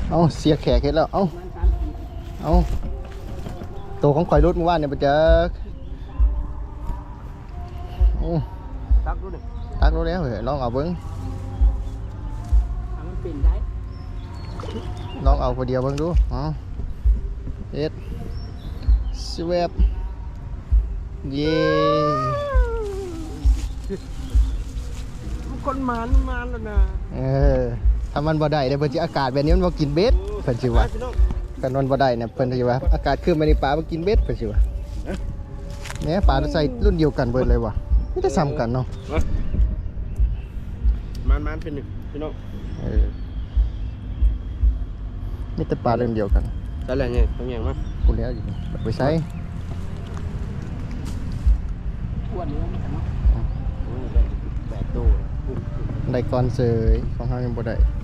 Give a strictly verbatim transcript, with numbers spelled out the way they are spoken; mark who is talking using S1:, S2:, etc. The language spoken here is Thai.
S1: เอาเสียแขกเห็นแล้วเอาเอาตัวของข่อยรถเมื่อวานเนี่ยไปเจอโอ้
S2: ตักดูดิ
S1: ตักรถแล้วเหรอลองเอาเบิ้ง
S2: มันเป็นได้
S1: ลองเอาคนเดียวเบิ้งดูเอาเอ็ดสวบเย่
S2: คนมานมานแล้วนะ
S1: เออถ้ามันบ่ได้เดี๋ยวเพิ่นสิอากาศแบบนี้มันบ่กินเบ็ดเพิ่นสิว่ากันนอนบ่ได้เนี่ยเพิ่นสิว่าอากาศคือมันนี่ปลาบ่กินเบ็ดเพิ่นสิว่าเนี่ยปลาใส่รุ่นเดียวกันเบิดเลยว่ะไม่ได้ซ้ำกันเนาะ
S2: มานมานเป็นหนึ่งพี่น้อง
S1: เออนี่แต่ปลาเรื่องเดียวกัน
S2: ใช่แล้วเนี่ยตรงอย่างมั้ง
S1: พูดแล้วอยู่ไปใช้
S2: อ้วนเนื้อมันกันเนาะแบกตู้
S1: ได้ก่อนเสยของเฮายังบ่ได้